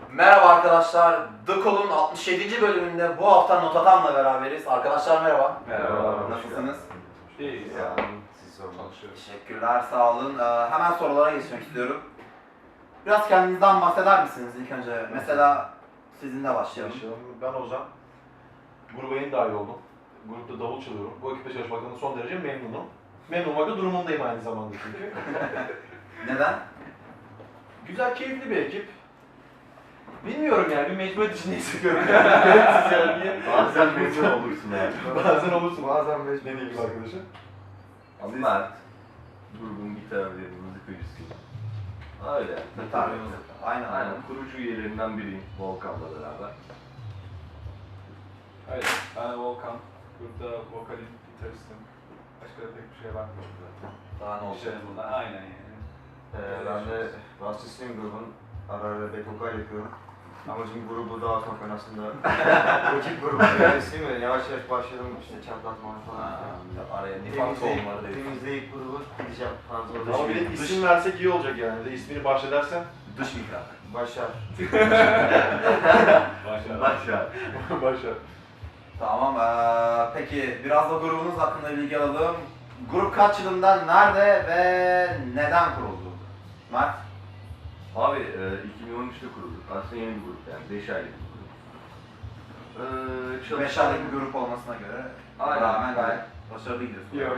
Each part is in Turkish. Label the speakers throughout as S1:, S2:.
S1: Merhaba arkadaşlar, The Call'un 67. bölümünde bu hafta Notatam'la beraberiz. Arkadaşlar merhaba.
S2: Merhaba.
S1: Nasılsınız?
S2: İyiyiz
S3: Ya,
S2: ya.
S3: siz sorun.
S2: Çalışıyoruz.
S1: Teşekkürler, sağ olun. Hemen sorulara geçmek istiyorum. Biraz kendinizden bahseder misiniz ilk önce? Mesela sizinle başlayalım.
S3: Ben Ozan. Gruba yeni dahil oldum. Grupta davul çalıyorum. Bu ekiple çalışmaktan da son derece memnunum. Memnun olmak da durumundayım aynı zamanda çünkü.
S1: Neden?
S3: Güzel, keyifli bir ekip. Bilmiyorum yani, bir mecburiyet içinde hissediyorum. Gereksiz yani niye?
S4: Bazen mecbur olursun yani.
S3: Bazen olursun.
S4: Bazen mecbur
S3: Ne diyeyim
S4: olursun.
S3: arkadaşım?
S4: Ama Mert, grubun gitar ve müzikacısıyım. Öyle.
S1: Gitar ve müzik. Aynen.
S4: Aynen, kurucu üyelerinden biriyim Volkan'la beraber.
S2: Öyle. Ben de Volkan. Grupta vokalim, gitaristim. Başka da pek bir şey bakmıyorum zaten.
S1: Daha ne olacak?
S2: İşte bunlar aynen yani.
S5: Ben de basçısıyım grubun. Ara ara back vokal yapıyorum. Amacım grubu dağıtmak, ben aslında rakip grubun üyesiyim ve yavaş yavaş başladım işte çatlatma falan.
S1: Araya nifak tohumları da
S5: Temizleyip grubu gideceğim falan.
S3: Ama bir de isim versek iyi olacak yani. Bir de ismini bahsedersen.
S1: Dış mihrak.
S5: Başar.
S2: Başlayalım.
S4: Başla.
S3: Başar.
S1: Tamam, peki biraz da grubunuz hakkında bilgi alalım. Grup kaç yılında, nerede ve neden kuruldu? Mert?
S4: Abi 2013'te kurulduk. Aslında yeni bir grup yani. 5 aylık bir grup.
S1: 5 aylık bir grup olmasına göre
S4: Aynen.
S1: rağmen gayet başarılı gidiyorsun.
S2: Yok.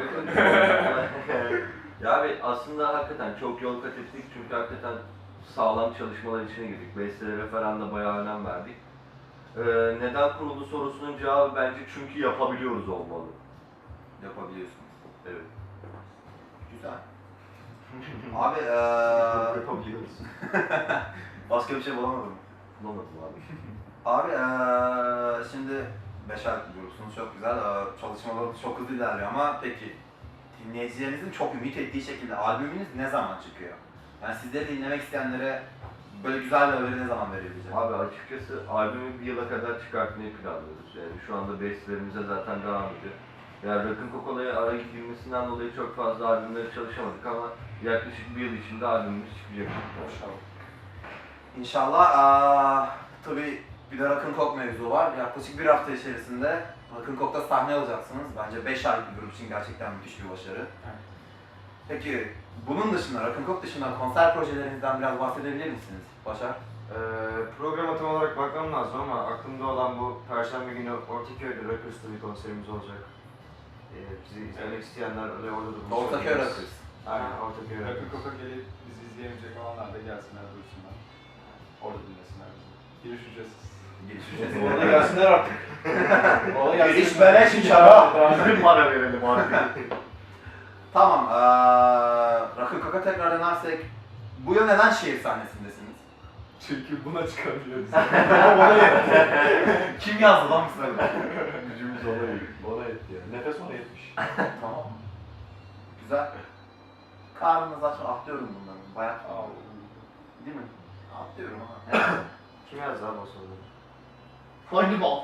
S4: Ya abi aslında hakikaten çok yol kat ettik çünkü hakikaten sağlam çalışmalar içine girdik. Bestelere falan da bayağı önem verdik. Neden kuruldu sorusunun cevabı bence çünkü yapabiliyoruz olmalı.
S1: Yapabiliyorsun.
S4: Evet.
S1: Güzel. Abi
S4: Yapabiliyoruz.
S1: başka bir şey bulamadım.
S4: Bulamadım abi.
S1: Abi şimdi 5 aylık bir grupsunuz, çok güzel. Çalışmalarınız çok hızlı ilerliyor ama peki dinleyicilerinizin çok ümit ettiği şekilde albümünüz ne zaman çıkıyor? Yani sizleri dinlemek isteyenlere böyle güzel bir haberi ne zaman verebileceğim?
S4: Abi açıkçası albümü bir yıla kadar çıkartmayı planlıyoruz. Yani şu anda bestlerimize zaten devam ediyor. Yani Rock'n Coca-Cola'ya ara girmesinden dolayı çok fazla albümlere çalışamadık ama yaklaşık bir yıl içinde albümümüz çıkacak.
S1: İnşallah. Tabii bir de Rock'n Coke mevzu var. Yaklaşık bir hafta içerisinde Rock'n Coke'da sahne alacaksınız. Bence 5 aylık bir grup için gerçekten müthiş bir başarı. Peki bunun dışında, Rock'n Coke dışında konser projelerinizden biraz bahsedebilir misiniz Başar?
S5: Programa tam olarak bakmam lazım ama aklımda olan bu Perşembe günü Ortaköy'de Rockers'ta bir konserimiz olacak. Bizi izlemek isteyenler öyle orada da buluşabiliriz.
S1: Ortaköy Rockers.
S5: Aynen, Ortaköy
S2: Rock'n
S5: Rockers.
S2: Coca gelip bizi izleyemeyecek olanlar da gelsinler, duysunlar. Orada dinlesinler bizi. Giriş ücretsiz.
S1: Giriş
S3: Orada gelsinler artık. Orada gelsinler.
S1: Giriş beleş inşallah.
S4: Bizim para verelim artık.
S1: Tamam, Rock'n Coke'a tekrar dönersek, bu yıl neden şehir sahnesindesiniz?
S2: Çünkü buna çıkabiliyoruz.
S3: Bana yetti.
S1: Kim yazdı lan bu sırada?
S3: Gücümüz ona yetti. Bana yetti yani. Nefes ona yetmiş.
S1: Tamam. Güzel. Karnınız aç, atlıyorum bunları. Bayağı değil mi? Atlıyorum ama.
S5: Kim yazdı abi o soruları?
S1: Hangi mal?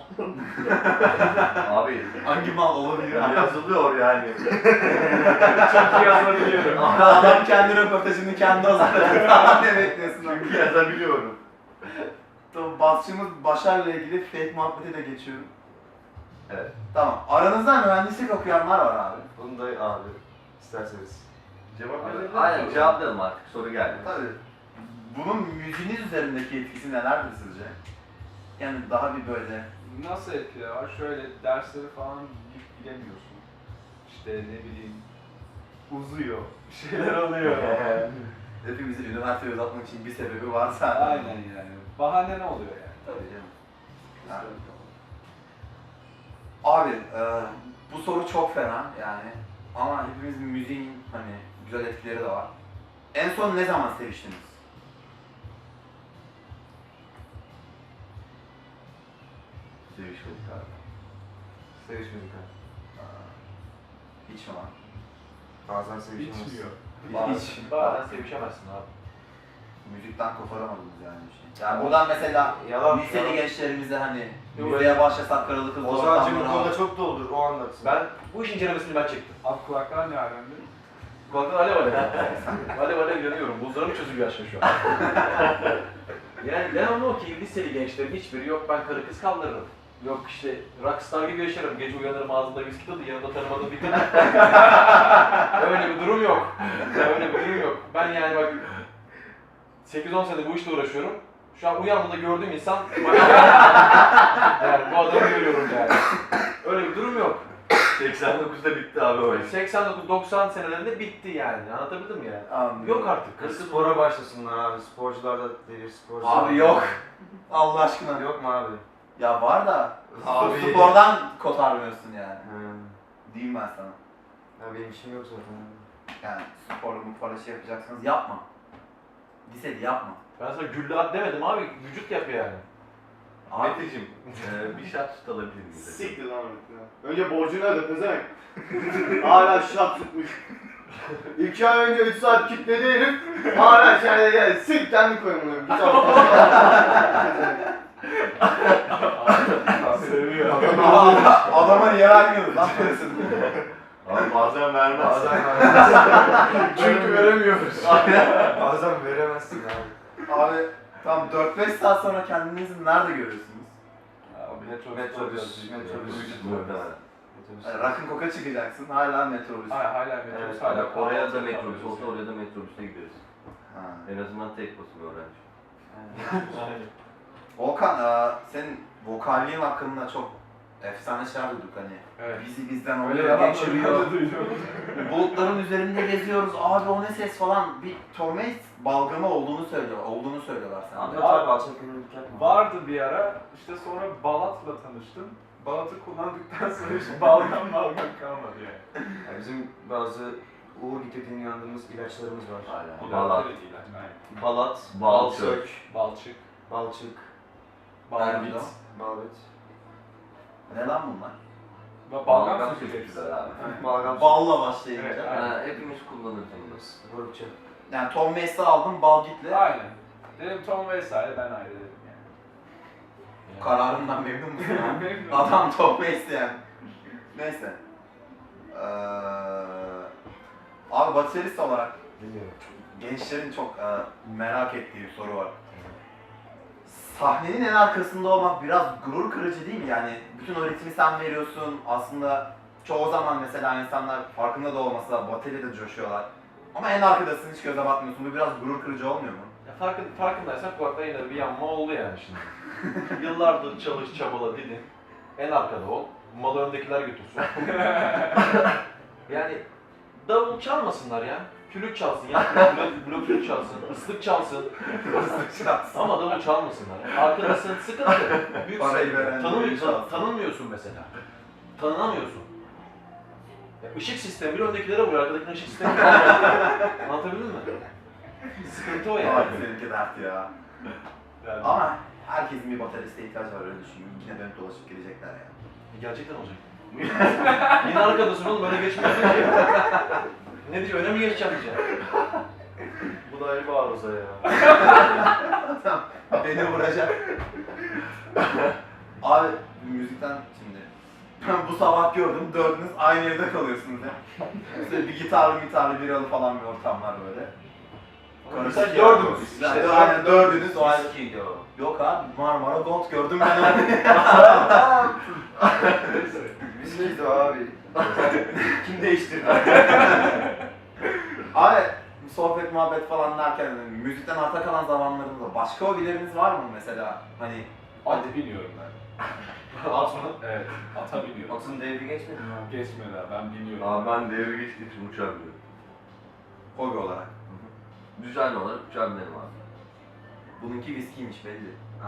S4: Abi
S1: Hangi mal olabilir?
S4: yazılıyor yani.
S2: Çok iyi yazabiliyorum.
S1: Adam kendi röportajını kendi hazırladı. Daha ne bekliyorsun lan?
S4: Çünkü yazabiliyorum.
S1: Tamam, basçımız Başar'la ilgili fake muhabbeti de geçiyorum.
S4: Evet.
S1: Tamam. Aranızda mühendislik okuyanlar var abi.
S5: Bunu da abi isterseniz.
S3: Cevap
S4: Abi,
S3: verelim.
S4: aynen cevaplayalım artık soru geldi.
S1: Tabii. Bunun müziğiniz üzerindeki etkisi nelerdir sizce? Yani daha bir böyle...
S2: Nasıl etkiler var? Şöyle dersleri falan bilemiyorsun. İşte ne bileyim uzuyor. Bir şeyler oluyor.
S1: Hepimizin üniversiteye uzatmak için bir sebebi varsa...
S2: Aynen yani. Bahane ne oluyor yani?
S1: Tabii canım. Yani. Abi, bu soru çok fena yani. Ama hepimizin müziğin hani güzel etkileri de var. En son ne zaman seviştiniz?
S4: Sevişmedik abi.
S5: Sevişmedik abi.
S1: Hiç mi lan?
S5: Bazen sevişmemiz.
S2: Bitmiyor.
S1: Hiç.
S3: Bazen sevişemezsin abi.
S1: Müzikten koparamadınız yani bir şey. Yani buradan mesela
S5: Yalan.
S1: liseli gençlerimize hani
S3: Yok,
S1: müziğe başlasak kralı kızlı
S5: Ozan'cım bu
S1: ortamlara...
S5: konuda çok doludur, o anlatsın.
S3: Ben bu işin incelemesini ben çektim.
S2: Abi kulaklar ne alemde?
S3: Kulaklar alev alev. Alev alev yanıyorum. Buzlarım çözülüyor aşağı şu an.
S4: Yani
S3: Devamlı o ki liseli gençlerin hiçbiri yok ben karı kız kaldırırım. Yok işte rockstar gibi yaşarım. Gece uyanırım ağzımda viski tadı yanında tanımadığım bir kadın. Öyle bir durum yok. Öyle bir durum yok. Ben yani bak 8-10 senedir bu işle uğraşıyorum. Şu an uyandığımda gördüğüm insan yani bu adamı görüyorum yani. Öyle bir durum yok.
S4: 89'da bitti abi o iş.
S3: 89-90 senelerinde bitti yani. Anlatabildim mi yani?
S1: Anladım.
S3: Yok artık. Karı kız
S5: Spora başlasınlar abi. Sporcular da devir sporcu.
S1: Abi yok. Allah aşkına.
S5: Yok mu abi?
S1: Ya var da
S5: Abi.
S1: spordan kotarmıyorsun yani.
S5: Hı.
S1: Diyeyim ben sana.
S5: Ya benim işim yok zaten.
S1: Yani spor şey yapacaksınız yapma. Lisede yapma.
S3: Ben sana güllü at demedim abi. Vücut yap yani.
S1: Abi
S4: Meteciğim, bir şat tut alabilir miyiz?
S6: Siktir lan ya. Önce borcunu öde pezevenk. Hala şat tutmuş. 2 ay önce 3 saat kitledi herif. Hala şöyle gel. Sik kendi koymuyorum. Git
S3: Seviyor.
S1: adama niye vermiyoruz lan parasını?
S4: Abi bazen vermez.
S5: Bazen
S3: Çünkü veremiyoruz.
S5: Bazen veremezsin abi.
S1: Abi tam 4-5 saat sonra kendinizi nerede görüyorsunuz?
S5: Metrobüs.
S4: Muhtemelen.
S1: Yani Rock'n Coke'a çıkacaksın hala metrobüs.
S3: Hala metrobüs,
S5: Evet,
S3: hala
S4: Oraya da metrobüs olsa oraya da metrobüste gideriz.
S1: Ha.
S4: En azından tek basım öğrenci.
S1: Volkan, senin vokalliğin hakkında çok efsane şeyler duyduk hani.
S3: Evet.
S1: Bizi bizden
S3: Öyle
S1: oraya
S3: yalan
S1: geçiriyor.
S3: duydum.
S1: Bulutların üzerinde geziyoruz. Abi o ne ses falan. Bir Torment balgamı olduğunu söylüyorlar sana.
S5: Anlat abi alçak gönüllülük yapma.
S2: Vardı bir ara, işte sonra Balat'la tanıştım. Balat'ı kullandıktan sonra hiç balgam kalmadı yani.
S5: Ya bizim bazı uğur getirdiğini inandığımız ilaçlarımız var.
S4: Aynen.
S2: Balat.
S4: Balat.
S5: Balat,
S4: Balçık.
S5: balçık,
S2: Balçık,
S5: balçık,
S2: balbit.
S5: balbit,
S1: Ne lan bunlar?
S2: Balgam
S4: Balgam
S2: sürücüleri
S4: sürücüler abi.
S5: balgam,
S1: Balla başlayınca.
S2: Evet,
S4: Ha, hepimiz kullanırız bunu.
S5: grupça.
S1: Yani Tom Mace'i aldım bal gitle.
S2: Aynen. Dedim Tom vesaire ben ayrı dedim yani.
S1: Kararımdan memnun musun?
S2: Memnunum.
S1: Adam Tom Mace yani. Neyse. Abi baterist olarak
S5: Bilmiyorum.
S1: gençlerin çok merak ettiği bir soru var. Sahnenin en arkasında olmak biraz gurur kırıcı değil mi? Yani bütün o ritmi sen veriyorsun. Aslında çoğu zaman mesela insanlar farkında da olmasa bateride coşuyorlar. Ama en arkadasın hiç göze batmıyorsun. Bu biraz gurur kırıcı olmuyor mu?
S3: Ya farkındaysan kulakta yine bir yanma oldu yani şimdi. Yıllardır çalış, çabala, didin. En arkada ol. Malı öndekiler götürsün. Yani davul çalmasınlar ya. Flüt çalsın ya. Blok flüt çalsın. Islık çalsın. Ama davul çalmasınlar. Arkadasın sıkıntı. Büyük
S1: Parayı
S3: sıkıntı.
S1: veren
S3: Tanınmıyorsun mesela. Tanınamıyorsun. Ya ışık sistemi bir öndekilere vuruyor. Arkadakilerin ışık sistemi anlatabildim mi? Sıkıntı o yani.
S1: Abi seninki dert ya.
S2: Yani
S1: Ama herkesin bir bateriste ihtiyacı var öyle düşün. Yine dönüp dolaşıp gelecekler ya.
S3: Gerçekten olacak. Yine arkadasın oğlum öyle geçmiyorsun ki. Ne diyeceğim öne mi geçeceğim diyeceğim. Bu da ayrı bir arıza ya.
S1: Beni vuracak. Abi müzikten şimdi ben bu sabah gördüm dördünüz aynı evde kalıyorsunuz ya. İşte bir gitarlı biralı falan bir ortamlar böyle.
S3: Sen
S1: Karışık
S3: dördünüz.
S1: İşte
S3: İşte
S1: aynen dördünüz o aynı.
S5: Viskiydi o.
S1: Yok abi Marmara Gold gördüm ben onu.
S5: Viskiydi o abi. Kim değiştirdi?
S1: Abi sohbet muhabbet falan derken müzikten arta kalan zamanlarınızda başka hobileriniz var mı mesela? Hani
S2: at biniyorum ben.
S3: At mı?
S2: Evet, ata biniyorum.
S5: Atın devri geçmedi mi abi?
S2: Geçmedi abi, ben biniyorum.
S4: Abi ben devre geçtiğim için uçamıyorum.
S1: hobi olarak.
S4: Düzenli olarak uçabilirim abi.
S1: Bununki viskiymiş belli.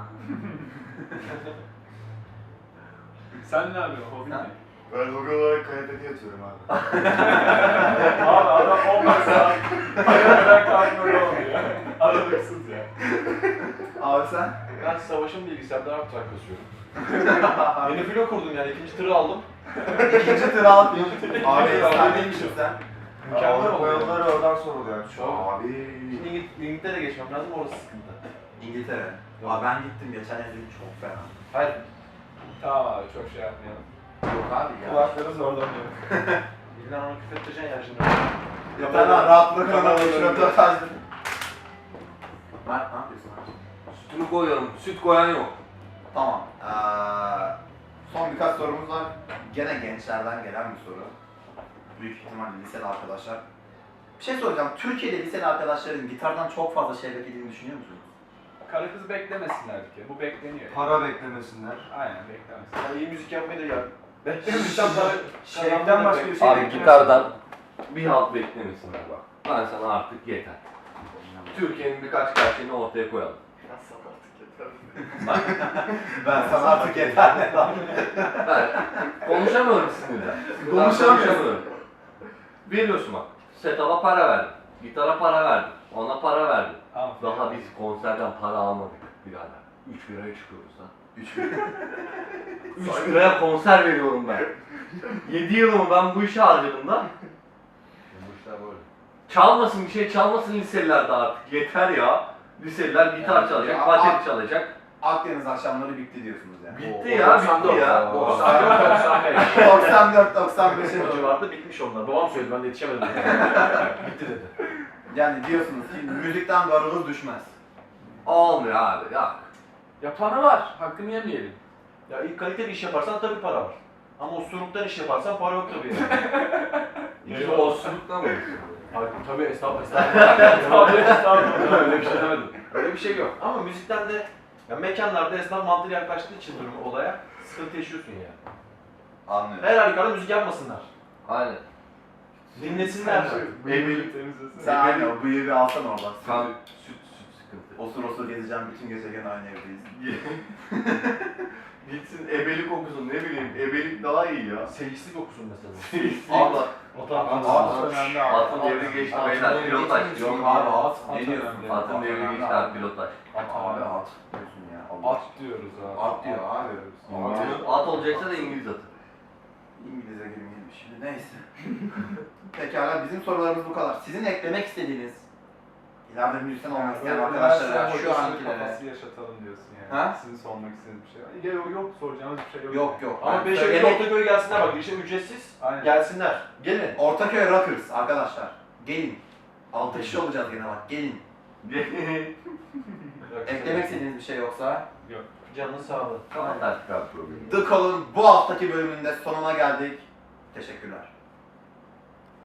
S2: Sen ne yapıyorsun, hobin
S1: Sen?
S2: ne?
S6: Ben hobi olarak kanepede yatıyorum abi.
S2: Abi adam 15 saat ayakta kalkmıyor oluyor. Aralıksız ya.
S1: Abi sen?
S3: Ben savaşın bilgisayarda art track kasıyorum. Yeni filo kurdum yani ikinci tırı aldım.
S1: İkinci tır al. Abi
S3: Abi,
S1: efsaneymişsin sen.
S3: Mükemmel
S5: Avrupa
S3: oldu.
S5: yolları oradan soruluyor.
S3: Çok.
S1: Abi.
S3: Şimdi İngiltere'ye geçmem lazım orası sıkıntı.
S1: İngiltere.
S3: Yok.
S1: Abi ben gittim geçen yıl çok fena.
S3: Hayır.
S2: Tamam abi, çok şey yapmayalım.
S1: Yok abi ya.
S2: Kulakları zorlanıyor.
S3: İlla onu küfrettireceksin ya şimdi.
S1: Yeter lan rahat bırakın
S2: Kanal
S1: adamı
S2: önünde.
S1: röportajda. Mert ne yapıyorsun abi?
S5: Süt
S4: Sütünü koyuyorum. Süt koyan yok.
S1: Tamam. Son birkaç sorumuz var. Gene gençlerden gelen bir soru. Büyük ihtimalle liseli arkadaşlar. Bir şey soracağım. Türkiye'de liseli arkadaşların gitardan çok fazla şey beklediğini düşünüyor musunuz?
S2: Karı kız beklemesinler bir kere. Bu bekleniyor.
S5: Para beklemesinler.
S2: Aynen beklemesinler.
S3: Ya iyi müzik yapmayı da ya.
S2: Beklemişten para
S6: Şevkten başka bir şey
S4: Abi
S6: beklemesin.
S4: gitardan bir halt beklemesinler bak. Ben sana artık yeter. Türkiye'nin birkaç gerçeğini ortaya koyalım.
S1: Ben sana artık yeter.
S4: Ben konuşamıyorum sinirden.
S1: Konuşamıyorum.
S4: Biliyorsun bak. Setup'a para verdim. Gitara para verdim. Ona para verdim.
S2: Tamam.
S4: Daha biz konserden para almadık birader. 3 liraya çıkıyoruz lan. 3 liraya konser veriyorum ben. 7 yılımı ben bu işe harcadım lan.
S3: Bu işler böyle.
S4: Çalmasın bir şey çalmasın liseliler de artık. Yeter ya. Liseliler gitar
S3: Yani
S4: çalacak,
S1: ya,
S4: bateri çalacak.
S1: Akdeniz akşamları bitti diyorsunuz yani.
S4: Bitti ya, bitti ya.
S1: 94-95'e
S3: O
S1: doğru.
S3: civarda bitmiş onlar. Babam söyledi, ben de yetişemedim. Bitti dedi.
S1: Yani diyorsunuz ki müzikten garımız düşmez.
S4: Olmuyor abi ya.
S2: Yapanı var. Hakkını yemeyelim.
S3: Ya iyi kaliteli iş yaparsan tabii para var. Ama osuruktan iş yaparsan para yok tabii yani.
S4: İki osurukla mı?
S3: Hayır, tabii estağfurullah. Öyle bir şey demedim. Öyle bir şey yok. Ama müzikten de ya mekanlarda esnaf mantığı yaklaştığı için durumu olaya sıkıntı yaşıyorsun ya.
S1: Anlıyorum.
S3: Her halükarda müzik yapmasınlar.
S4: Aynen.
S3: Dinlesinler.
S4: Evlilik
S1: Sen aynı o bıyığı bir alsan oradan.
S4: Kan, süt sıkıntı.
S1: Osur osur gezeceğim bütün gece gene aynı evdeyiz.
S4: Gitsin ebelik okusun ne bileyim ebelik daha iyi ya.
S3: Seyislik okusun mesela.
S4: Allah.
S2: At önemli abi.
S4: Atın devri geçti beyler pilotaj.
S1: Yok abi at. Ne
S2: At
S1: diyorsun?
S2: önemli.
S4: Atın devri geçti abi pilotaj.
S1: Abi at diyorsun ya. Allah.
S2: At diyoruz abi.
S1: At diyor abi.
S2: diyoruz.
S4: At olacaksa da İngiliz atı.
S1: İngilizce girmeyelim şimdi neyse. Pekala bizim sorularımız bu kadar. Sizin eklemek istediğiniz ileride müzisyen olmak isteyen arkadaşlara şu ankilere.
S2: Kafası yaşatalım diyorsun yani.
S1: Ha?
S2: Sizin sormak istediğiniz bir şey var. Ya yok soracağınız bir şey yok.
S1: Yok yok.
S3: Ama
S1: Ben
S3: Beşiktaş
S1: söylemek-
S3: Ortaköy'e gelsinler bak. Girişim ücretsiz.
S2: Aynen.
S3: Gelsinler. Gelin.
S1: Ortaköy Rockers arkadaşlar. Gelin. 6 kişi olacağız gene bak. Gelin. Eklemek istediğiniz bir şey yoksa.
S3: Canın sağlığı.
S4: Kapat artık abi problemi.
S1: The Call'ın bu haftaki bölümünde sonuna geldik. Teşekkürler.